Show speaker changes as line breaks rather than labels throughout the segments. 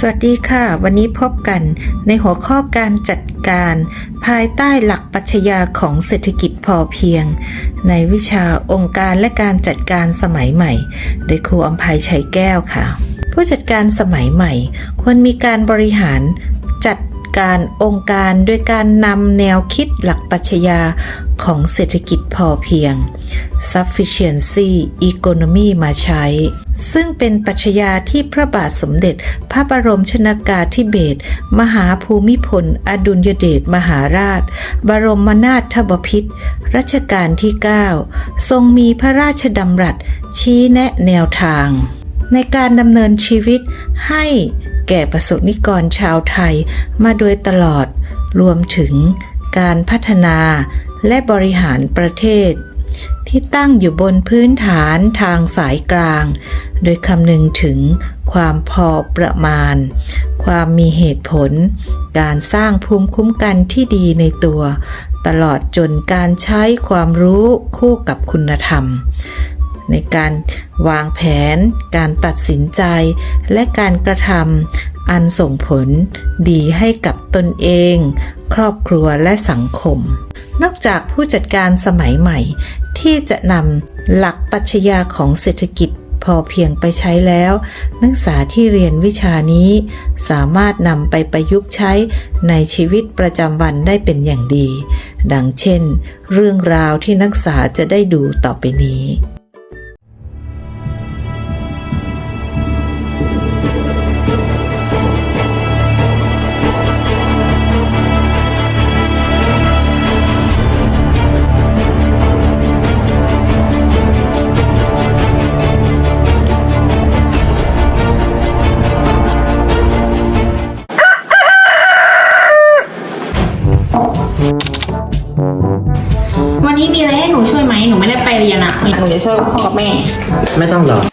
วัสดีค่ะวันนี้พบกันในหัวข้อการจัดการภายใต้หลักปรัชญาของเศรษฐกิจพอเพียงในวิชาองค์การและการจัดการสมัยใหม่โดยครูอำไพชัยแก้วค่ะผู้จัดการสมัยใหม่ควรมีการบริหารจัดการองค์การโดยการนำแนวคิดหลักปรัชญาของเศรษฐกิจพอเพียง Sufficiency Economy มาใช้ซึ่งเป็นปรัชญาที่พระบาทสมเด็จพระบรมชนกาธิเบศรมหาภูมิพลอดุลยเดชมหาราชบรมนาถบพิตรรัชกาลที่ 9 ทรงมีพระราชดำรัสชี้แนะแนวทางในการดำเนินชีวิตให้แก่ประสบนิกรชาวไทยมาโดยตลอดรวมถึงการพัฒนาและบริหารประเทศที่ตั้งอยู่บนพื้นฐานทางสายกลางโดยคำนึงถึงความพอประมาณความมีเหตุผลการสร้างภูมิคุ้มกันที่ดีในตัวตลอดจนการใช้ความรู้คู่กับคุณธรรมในการวางแผนการตัดสินใจและการกระทำอันส่งผลดีให้กับตนเองครอบครัวและสังคมนอกจากผู้จัดการสมัยใหม่ที่จะนำหลักปรัชญาของเศรษฐกิจพอเพียงไปใช้แล้วนักศึกษาที่เรียนวิชานี้สามารถนำไปประยุกต์ใช้ในชีวิตประจำวันได้เป็นอย่างดีดังเช่นเรื่องราวที่นักศึกษาจะได้ดูต่อไปนี้
วันนี้มีอะไรให้หนูช่วยไหมหนูไม่ได้ไปเรียนอ่ะหนูจะช่วยพ่อกับแม่
ไม่ต้องหรอก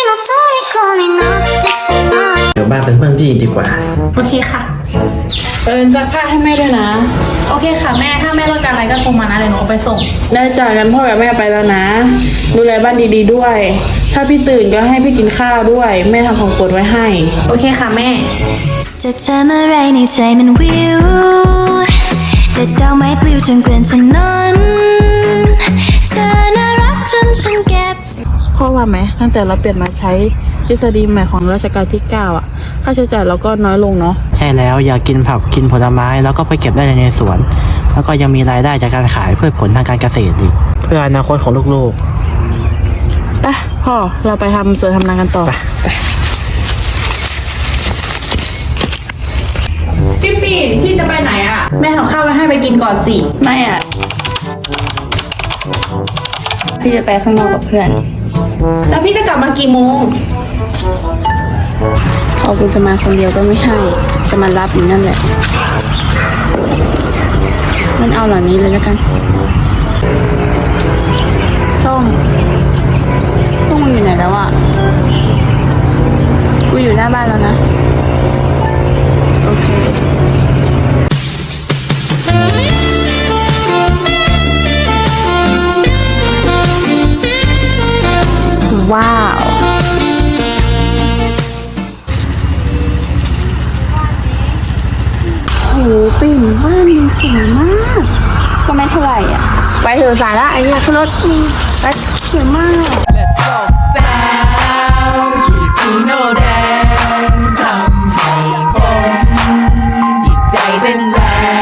เดี๋ยวบ้านเป็นเพื่อนพี่ดีกว่า
โอเคค่ะ
ซักผ้าให้แม่ด้วยนะ
โอเคค่ะแม่ถ้าแม่ต้องการอะไรก็โทรมานะเดี๋ยวหนูเอาไปส่ง
ได้จ่ายกันพ่อกับแม่ไปแล้วนะดูแลบ้านดีๆด้วยถ้าพี่ตื่นก็ให้พี่กินข้าวด้วยแม่ทำของโปรดไว้ให้
โอเคค่ะแม่
จะทำอะไรในใจมันวิวแต่ดาวไม้ปลิวจนเกลื่อนถนนเธอน่ารักจนฉันเก็บ
พ่อว่าไหมตั้งแต่เราเปลี่ยนมาใช้ทฤษฎีใหม่ของรัชกาลที่ 9 อ่ะค่าใช้จ่ายเราก็น้อยลงเนาะ
ใช่แล้วอยากกินผักกินผลไม้แล้วก็ไปเก็บได้ในสวนแล้วก็ยังมีรายได้จากการขายพืชผลทางการเกษตรอีกเพื่ออนาคตของลูก
ๆไปพ่อเราไปทำสวนทำนากันต่อ
พี่ปีนพี่จะไปไหนอ่ะแม่ทำข้าวไว้ให้ไปกินก่อนสิ
ไม่อ่ะพี่จะไปข้างนอกกับเพื่อน
แล้วพี่จะกลับมากี่โมง
เอาคุณจะมาคนเดียวก็ไม่ให้จะมารับอยู่นั่นแหละงั้นเอาเหล่านี้เลยแล้วกันส้มพวกมึงอยู่ไหนแล้วอ่ะกูอยู่หน้าบ้านแล้วนะโอเค
ว้าว
โหปิ่นบ้านมึงสวยมากก็ไม่เท่าไหร่อ่ะไปเถอะสายละไอ้เนี่ยขึ้นรถไปสวยมาก Let's go สาวคีฟีโนแดงทำให้ผมจิตใจเต้นแรง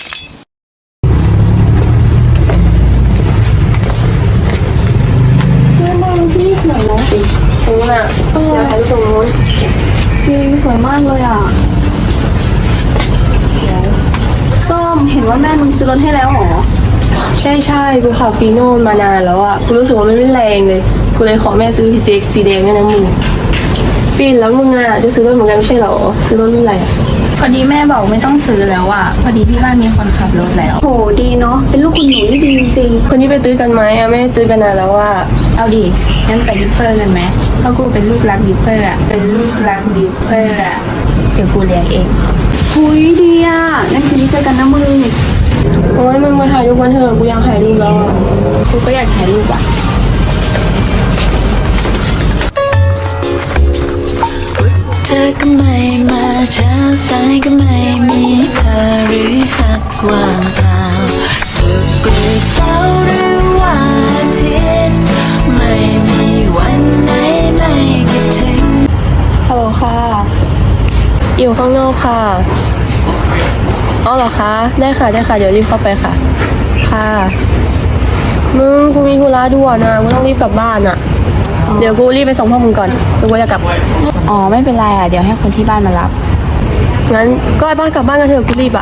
พี่สวยนะจริงตรงนั้นอยากถ่ายรูปตรงนู้นจริงสวยมากเลยอ่ะส้มเห็นว่าแม่มึงซื้อรถให้แล้วหรอ
ใช่กูขับฟีโน่มานานแล้วอ่ะกูรู้สึกว่ามันไม่แรงเลยกูเลยขอแม่ซื้อ PCX สีแดงด้วยนะมึงปีนแล้วมึงอ่ะจะซื้อรถเหมือนกันไม่ใช่หรอซื้อรถรุ่นอะไร
พอดีแม่บอกไม่ต้องซื้อแล้วอ่ะพอดีที่บ้านมีคนขับรถแล้ว
โหดีเนาะเป็นลูกคุณหนูที่ดีจริงๆคนนี้ไปตื้อกันไหมอ่ะไม่ตื้อกันนานแล้วอ่ะ
เอาดิงั้นไปดิฟเฟอร์กันไหมเพราะกูเป็นลูกรักดิฟเฟอร์อ่ะเป็นลูกรักดิฟเฟอร์อ่ะเดี๋ยวกูเลี้ยงเอง
หุยดีอ่ะงั้นคืนนี้เจอกันนะมึงโอ้ยมึงมาถ่ายรูปกันเถอะกูอยากถ่ายรูปแล้ว
กูก็อยากถ่ายรูปอ่ะ
เธอก็ไม่มาเช้าสายก็ไม่มีเธอหรือหักว่างเปล่าสุขหรือเศร้าหรือวันอาทิตย์ไม่มีวันไหนไม่คิดถึง
ฮัลโหลค่ะ อยู่ข้างนอกค่ะอ๋อเหรอคะ ได้ค่ะ ได้ค่ะ เดี๋ยวรีบเข้าไปค่ะ ค่ะ มึงกูมีธุระด่วนนะกูต้องรีบกลับบ้านอะเดี๋ยวกูรีบไปส่งพ่อมึงก่อนเดี๋ยวกูจะกลับ
อ๋อไม่เป็นไรอ่ะเดี๋ยวให้คนที่บ้านมารับ
งั้นก็ไปบ้านกลับบ้านกันเถอะกูรีบอะ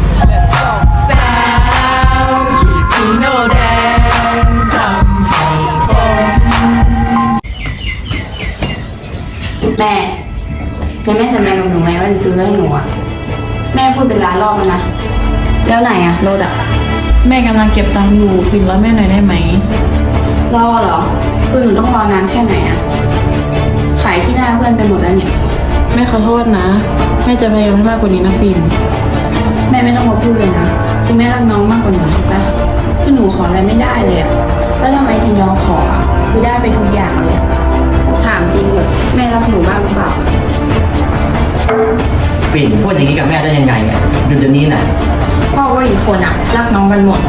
แม่ยังแม่สัญญากับหนูไหมว่าจะซื้อรถให้หนูอ่ะแม่พูดเป็นล้านรอบแล้วนะแล้วไหนอ่ะรถอ่ะ
แม่กำลังเก็บตังค์อยู่พิมพ์แล้วแม่หน่อยได้ไหม
รอเหรอคือหนูต้องรอนานแค่ไหนอ่ะขายที่หน้าเพื่อนไปหมดแล้วเนี่ย
แม่ขอโทษนะ แม่จะพยายามให้มากกว่านี้นะพิมพ์
แม่ไม่ต้องมาพูดเลยนะคือแม่รักน้องมากกว่าหนูถูกปะคือหนูขออะไรไม่ได้เลยอ่ะแล้วทำไมที่น้องขออ่ะคือได้ไปทุกอย่างเลยอะถามจริงเหรอแม่รักหนูบ้างหรือเปล่า
ปิ่นพูดอย่างนี้กับแม่ได้ยังไงอ่ะหยุดเดี๋ยวนี้น่ะ
พ่อก็อีกคนอ่ะรักน้องกันหมด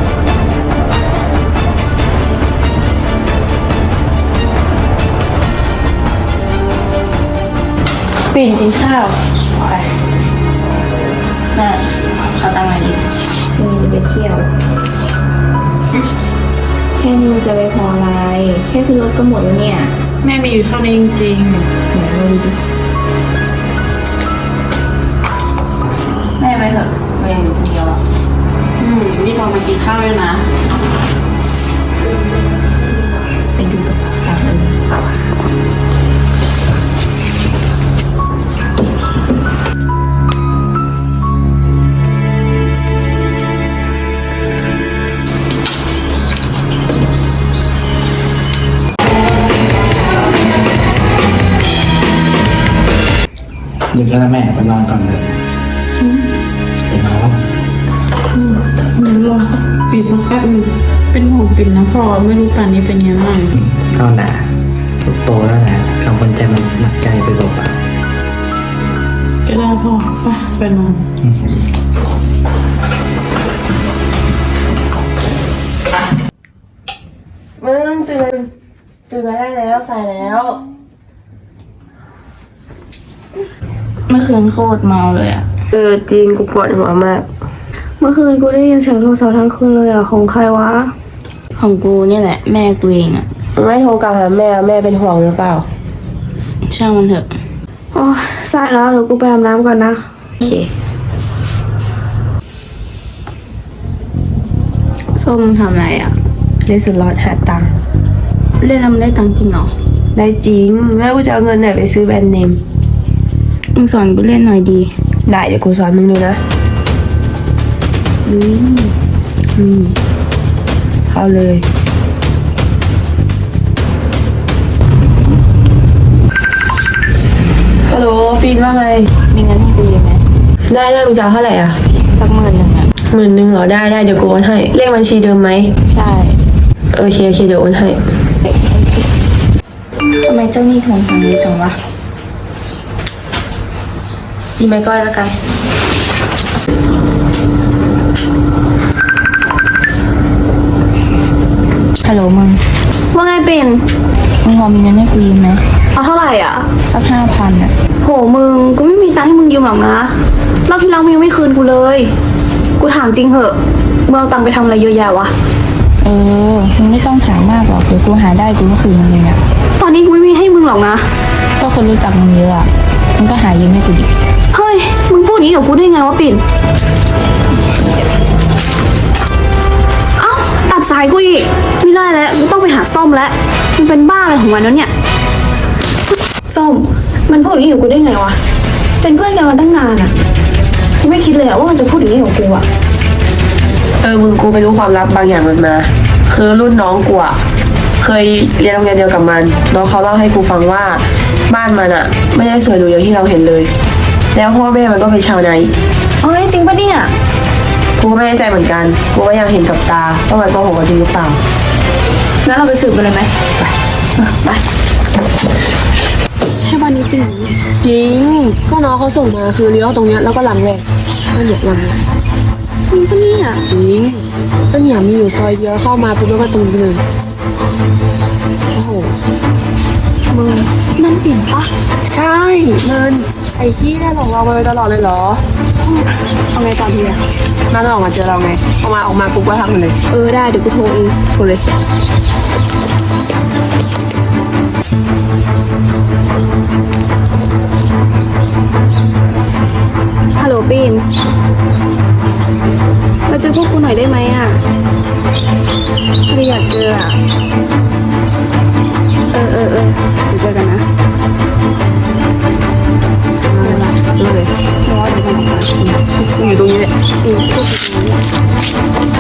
ปิ่นกินข้าว
ไปแม่ขอตังค์หน่อยดิไปเที่ยว แค่นี้มันจะไปพออะไร แค่คือรถก็หมดแล้วเนี่ย
แม่มีอยู่เท่านี้จริง
ไหนเราดูดิแม่ไปเถอะเรายังอยู่คนเดียวอ่ะ
ๆนี่พอมากินข้าวด้วยนะ
ไปดูกับกันเลย
ดึกแล้วนะแม่ไปนอนก่อนเลยไปนอนแล้ว
เดี๋ยวรอสักปิดสักแป๊บหนึงเป็นห่วงปิ่นนะพ่อไม่รู้ป่านนี้เป็นยังไง
ก็แหละลูกโตแล้วแหละกังวลใจมันหนักใจไปเปล่า
ก็ได้พ่อไปนอน
มึงตื่นได้แล้วสายแล้ว
เมื่อคืนโคตรเมาเลยอ่ะ
จริงกูปวดหัวมาก
เมื่อคืนกูได้ยินเสียงโทรศัพท์ทั้งคืนเลยอ่ะของใครวะ
ของกูเนี่ยแหละแม่กูเองอ่ะ
ไม่โทรกลับหาแม่เป็นห่วงหรือเปล่า
ช่างมันเถอะ
โอ้ยสายแล้วเดี๋ยวกูไปอาบน้ำก่อนนะ
โอเค
ส้มมึงทำอะไรอ่ะ
เล่นสล็อตหาตังค์
เล่นแล้วมันได้ตังค์จริงเหรอ
ได้จริง แม่กูจะเอาเงินไหนไปซื้อแบรนด์เนม
มึงสอนกูเล่นหน่อยดี
ได้เดี๋ยวกูสอนมึงดูนะเข้าเลย ฮัลโหลฟีนว่าไง
มีเงินให้กูเยอะไหม
ได้มึงจะเอาเท่าไหร่อ่ะ
สัก10,000อ่ะ
10,000เหรอ ได้เดี๋ยวกูโอนให้ เลขบัญชีเดิมไหม
ใช่
โอเคเดี๋ยวโอนให้
ทำไมเจ้าหนี้ทวงตังค์เยอะจังวะดีไหมก้อยแล้วกัน ฮัลโหลมึง
ว่าไงเป็น
มึงพอมีเงินให้กูยืมไหม
เอาเท่าไหร่อ่ะ
สัก5,000อ่ะ
โหมึงกูไม่มีตังค์ให้มึงยืมหรอกนะรอบที่แล้วมึงยังไม่คืนกูเลย กูถามจริงเหอะมึงเอาตังค์ไปทำอะไรเยอะแยะวะ
มึงไม่ต้องถามมากหรอกเดี๋ยวกูหาได้กูก็คืนมึงเลยอ่ะ
ตอนนี้กูไม่มีให้มึงหรอกนะ
ก็คนรู้จักมึงเยอะอ่ะ มึงก็หายืมให้กูดิ
เฮ้ยมึงพูดอย่างนี้กับกูได้ไงวะปิ่นเอ้าตัดสายกูอีกไม่ได้แล้วกูต้องไปหาส้มแล้วมันเป็นบ้าอะไรของมันแล้วเนี่ยส้มมันพูดอย่างนี้กับกูได้ไงวะเป็นเพื่อนกันมาตั้งนานอ่ะกูไม่คิดเลยอะว่ามันจะพูดอย่างนี้กับกูอะ
มึงกูไปรู้ความลับบางอย่างมันมา คือรุ่นน้องกูอะเคยเรียนโรงเรียนเดียวกับมัน น้องเขาเล่าให้กูฟังว่าบ้านมันอะไม่ได้สวยหรูอย่างที่เราเห็นเลย แล้วพ่อแม่มันก็เป็นชาวนาอีก
เฮ้ยจริงปะเนี่ย
กูก็ไม่แน่ใจเหมือนกัน กูก็ยังเห็นกับตาว่ามันโกหกกันจริงหรือเปล่า
งั้นเราไปสืบกันเลยไหมไป
ๆ
ใช่บ้านนี้จริงเหรอ
จริง ก็น้องเขาส่งมาคือเลี้ยวตรงเนี้ยแล้วก็หลังแหวกก็เนี่ยหลังเนี่ย
จริงปะเนี่ย
จริงก็เนี่ยมีอยู่ซอยเดียวเข้ามาปุ๊บแล้วก็ตรงนี้เลยโอ้โห
มึงนั่นปิ่นปะ
ใช่เงินไอ้ที่ได้หลอกเรามาโดยตลอดเลยเหรอ
เอาไงตอนดีอะ
น่าจะออกมาเจอเราไงออกมาปุ๊บก็ทักมันเลย
ได้เดี๋ยวกูโทรเอง
โทรเลย
ฮัลโหลปิ่นมาเจอพวกกูหน่อยได้ไหมอะไม่อยากเจออะเดี๋ยวเจอกันนะ
เลย
รอเดี๋ยวกันออกมา
กูอยู่ตรงนี้แหละ
พวกกูตรงนี้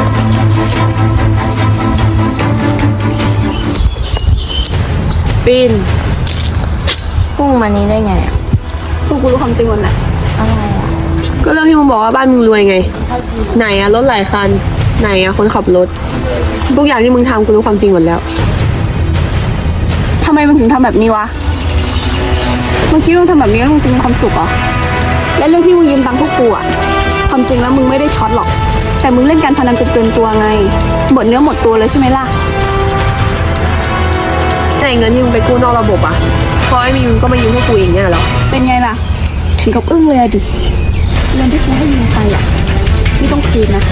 ปีน
พุ่งมานี้ได้ไงอะ
พวกกูรู้ความจริงหมดแหละ
อะไรอะ
ก็เรื่องที่มึงบอกว่าบ้านมึงรวยไง ไหนอะรถหลายคัน ไหนอะคนขับรถทุกอย่างที่มึงทำกูรู้ความจริงหมดแล้ว
ทำไมมึงถึงทำแบบนี้วะมึงคิดว่ามึงทำแบบนี้แล้วมึงจะมีความสุขเหรอและเรื่องที่มึงยืมตังค์พวกกูอะความจริงแล้วมึงไม่ได้ช็อตหรอก แต่มึงเล่นการพนันจนเกินตัวไงหมดเนื้อหมดตัวเลยใช่ไหมล่ะ
แต่เงินที่มึงไปกู้นอกระบบอะพอไม่มีมึงก็มายืมพวกกูอย่างเงี้ยเหรอ
เป็นไงล่ะ ถึงกับอึ้งเลยอะดิเงินที่กูให้ยืมไปอะไม่ต้องคืนนะ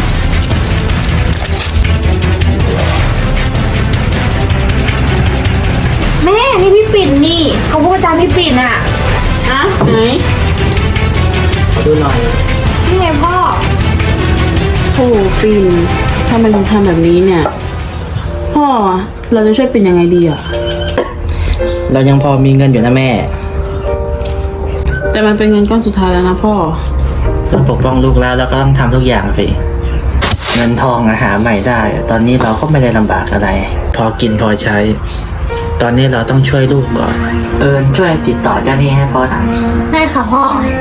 แม่นี่พี่ปิ่นนี่เขาพูดตามพี่ปิ่นอะอะไหน
ขอดูหน่อย
นี่ไงพ่อ
โอ้ปิ่นทำไมถึงทำแบบนี้เนี่ย พ่อเราจะช่วยปิ่นยังไงดีอะ
เรายังพอมีเงินอยู่นะแม่
แต่มันเป็นเงินก้อนสุดท้ายแล้วนะพ่อ
ต้องปกป้องลูกแล้วก็ต้องทำทุกอย่างสิ เงินทองหาใหม่ได้ ตอนนี้เราก็ไม่ได้ลำบากอะไร พอกินพอใช้ ตอนนี้เราต้องช่วยลูกก่อน ช่วยติดต่อเจ้าหนี้ให้พ่อสั่ง
ได้ค่ะพ่อ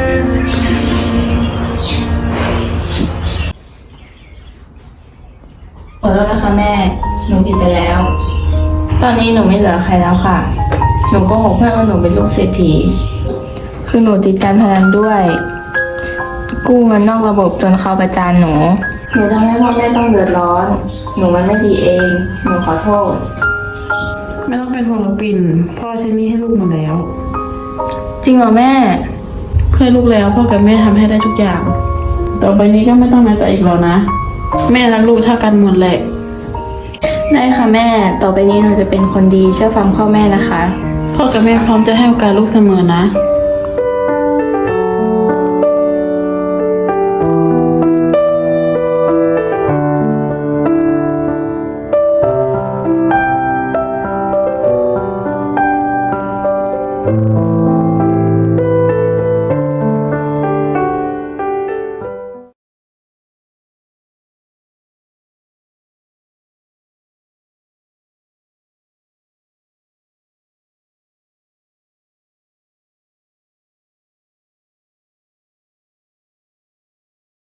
ขอโทษนะคะแม่ หนูผิดไปแล้ว ตอนนี้หนูไม่เหลือใครแล้วค่ะ หนูโกหกเพื่อนว่าหนูเป็นลูกเศรษฐี คือหนูติดการพนันด้วย กู้เงินนอกระบบจนเขาประจานหนู หนูทำให้พ่อแม่ต้องเดือดร้อน หนูมันไม่ดีเอง หนูขอโทษ
ไม่ต้องเป็นห่วงหรอกปิ่น พ่อใช้หนี้ให้ลูกหมดแล้ว
จริงเหรอแม่
เพื่อลูกแล้วพ่อกับแม่ทำให้ได้ทุกอย่าง ต่อไปนี้ก็ไม่ต้องน้อยใจอีกแล้วนะ แม่รักลูกเท่ากันหมดแหละ
ได้ค่ะแม่ ต่อไปนี้หนูจะเป็นคนดีเชื่อฟังพ่อแม่นะคะ
พ่อกับแม่พร้อมจะให้โอกาสลูกเสมอนะ